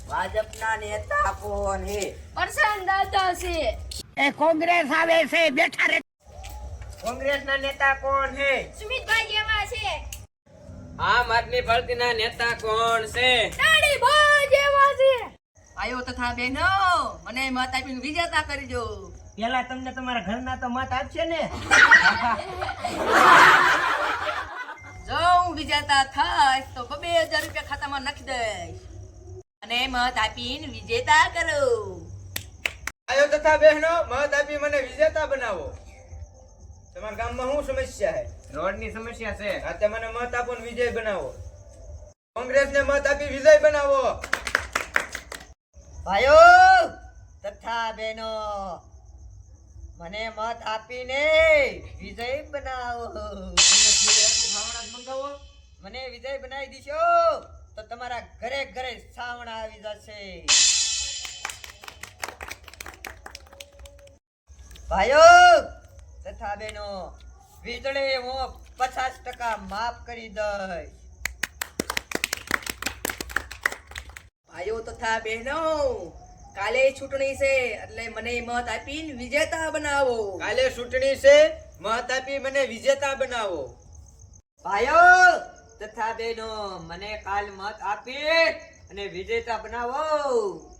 ભાજપના નેતા કોણ હે? પરસાન દાદા છે. એ કોંગ્રેસ આવે છે, બેઠા રે. કોંગ્રેસના નેતા કોણ હે? સુમિતભાઈ જેવા છે. આમ આદમી પાર્ટીના નેતા કોણ છે? દાઢીભાઈ જેવા છે. આયો તથા બહેનો મને મત આપીને વિજેતા કરજો. પેલા તમને તમારા ઘરના તો મત આપશે ને. જો હું વિજેતા થાય તો 2000 રૂપિયા ખાતામાં નાખી દઈશ અને મત આપીને વિજેતા કરો. આયો તથા બહેનો મત આપી મને વિજેતા બનાવો. તમારા ગામમાં શું સમસ્યા છે? રોડની સમસ્યા છે. હા, તે મને મત આપો ને વિજય બનાવો. કોંગ્રેસને મત આપી વિજય બનાવો. ભાઈઓ તથા બહેનો, મને મત આપીને વિજય બનાવો. મને વિજય બનાવી દીશો તો તમારા ઘરે ઘરે સાવણા આવી જશે. ભાઈઓ તથા બહેનો, વીજળી હું 50% માફ કરી દઈશ. ભાઈઓ તથા બહેનો કાલે ચૂંટણી છે એટલે મને મત આપીને વિજેતા બનાવો. કાલે ચૂંટણી છે, મત આપી મને વિજેતા બનાવો. ભાઈઓ તથા બહેનો, મને કાલ મત આપી અને વિજેતા બનાવો.